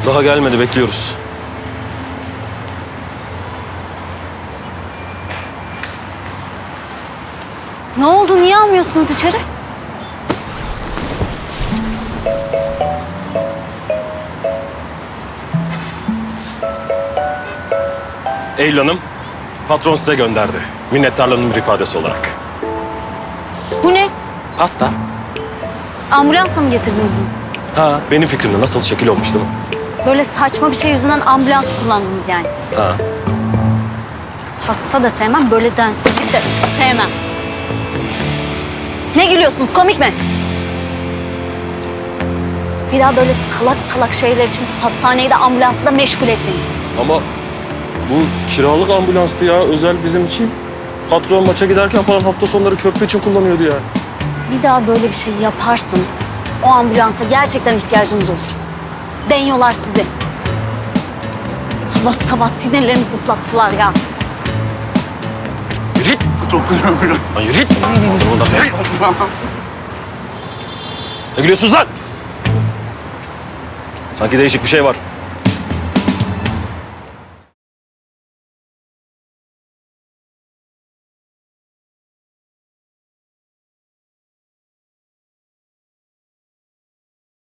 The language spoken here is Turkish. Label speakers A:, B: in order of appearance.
A: Daha gelmedi, bekliyoruz.
B: Ne oldu? Niye almıyorsunuz içeri?
A: Eylül Hanım, patron size gönderdi. Minnettarlığının bir ifadesi olarak.
B: Bu ne?
A: Pasta.
B: Ambulansla mı getirdiniz bunu?
A: Ha, benim fikrimde nasıl şekil olmuş değil mi?
B: Böyle saçma bir şey yüzünden ambulans kullandınız yani.
A: Ha.
B: Hasta da sevmem, böyle densizlik de sevmem. Ne gülüyorsunuz? Komik mi? Bir daha böyle salak salak şeyler için hastaneyi de ambulansı da meşgul etmeyin.
A: Ama bu kiralık ambulanstı ya, özel bizim için. Patron maça giderken falan hafta sonları köprü için kullanıyordu ya.
B: Bir daha böyle bir şey yaparsanız o ambulansa gerçekten ihtiyacınız olur. Deniyorlar sizi. Sabah sabah sinirlerimi zıplattılar ya.
A: Yürü git.
C: Çok güzel.
A: Lan yürü git. Ağzını da ver. Ne gülüyorsunuz lan? Sanki değişik bir şey var.